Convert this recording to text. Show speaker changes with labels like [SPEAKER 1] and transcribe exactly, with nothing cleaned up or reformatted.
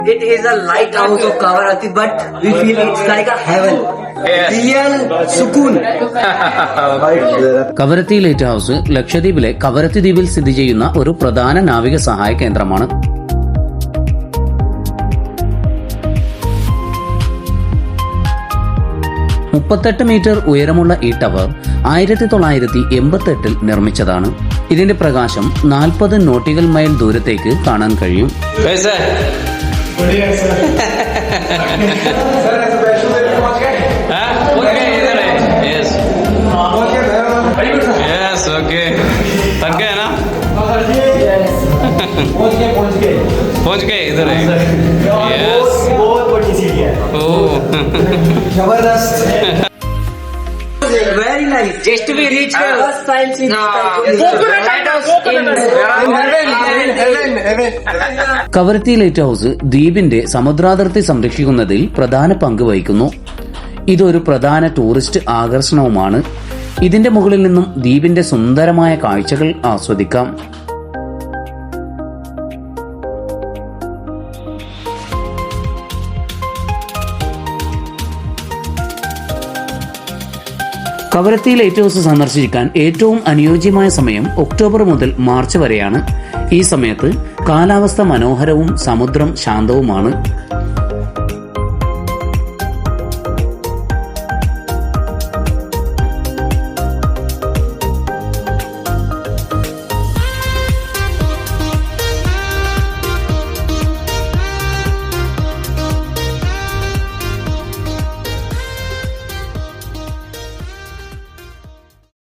[SPEAKER 1] It is a lighthouse of Kavaratti, but we feel it's like a heaven. Real sukoon.
[SPEAKER 2] Kavaratti lighthouse ലക്ഷദ്വീപിലെ കവരത്തി ദ്വീപിൽ സ്ഥിതി ചെയ്യുന്ന ഒരു പ്രധാന നാവിക സഹായ കേന്ദ്രമാണ്. മുപ്പത്തെട്ട് മീറ്റർ ഉയരമുള്ള ഈ ടവർ ആയിരത്തി തൊള്ളായിരത്തി എൺപത്തി എട്ടിൽ നിർമ്മിച്ചതാണ്. ഇതിന്റെ പ്രകാശം നാൽപ്പത് നോട്ടിക്കൽ മൈൽ ദൂരത്തേക്ക് കാണാൻ കഴിയും.
[SPEAKER 3] पहुंच गए इधर है. यस,
[SPEAKER 1] बहुत बड़ी सीढ़ी है.
[SPEAKER 3] ओह
[SPEAKER 1] जबरदस्त. Very nice. Just to be reached. First time in
[SPEAKER 2] Kavaratti lighthouse ദ്വീപിന്റെ സമുദ്രാതിർത്തി സംരക്ഷിക്കുന്നതിൽ പ്രധാന പങ്ക് വഹിക്കുന്നു. ഇതൊരു പ്രധാന ടൂറിസ്റ്റ് ആകർഷണവുമാണ്. ഇതിന്റെ മുകളിൽ നിന്നും ദ്വീപിന്റെ സുന്ദരമായ കാഴ്ചകൾ ആസ്വദിക്കാം. കവരത്തി ലൈറ്റ് ഹൌസ് സന്ദർശിക്കാൻ ഏറ്റവും അനുയോജ്യമായ സമയം ഒക്ടോബർ മുതൽ മാർച്ച് വരെയാണ്. ഈ സമയത്ത് കാലാവസ്ഥ മനോഹരവും സമുദ്രം ശാന്തവുമാണ്.